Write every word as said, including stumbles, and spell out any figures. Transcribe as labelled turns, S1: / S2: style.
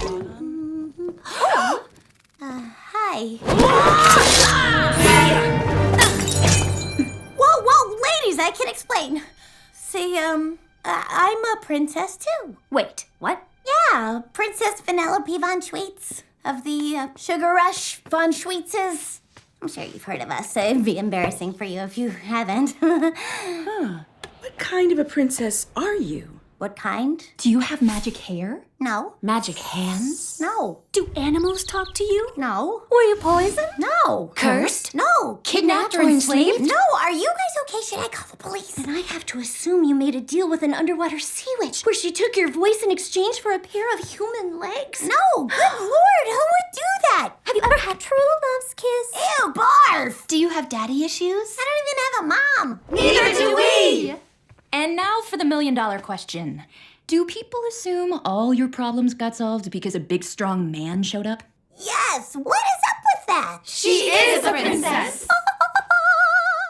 S1: uh, hi. Whoa, whoa, ladies, I can explain. See, um, I- I'm a princess too.
S2: Wait, what?
S1: Yeah, Princess Vanellope von Schweetz of the uh, Sugar Rush von Schweetzes. I'm sure you've heard of us. It'd be embarrassing for you if you haven't.
S3: Huh. What kind of a princess are you?
S1: What kind?
S2: Do you have magic hair?
S1: No.
S2: Magic hands?
S1: No.
S2: Do animals talk to you?
S1: No.
S2: Were you poisoned?
S1: No.
S2: Cursed?
S1: No.
S2: Kidnapped or enslaved?
S1: No. Are you guys okay? Should I call the police?
S2: Then I have to assume you made a deal with an underwater sea witch where she took your voice in exchange for a pair of human legs.
S1: No. Good Lord. Who would do that?
S2: Have you ever had true love's kiss?
S1: Ew, barf.
S2: Do you have daddy issues?
S1: I don't even have a mom.
S2: Neither do we! And now for the million dollar question. Do people assume all your problems got solved because a big strong man showed up?
S1: Yes. What is up with that?
S2: She is a princess!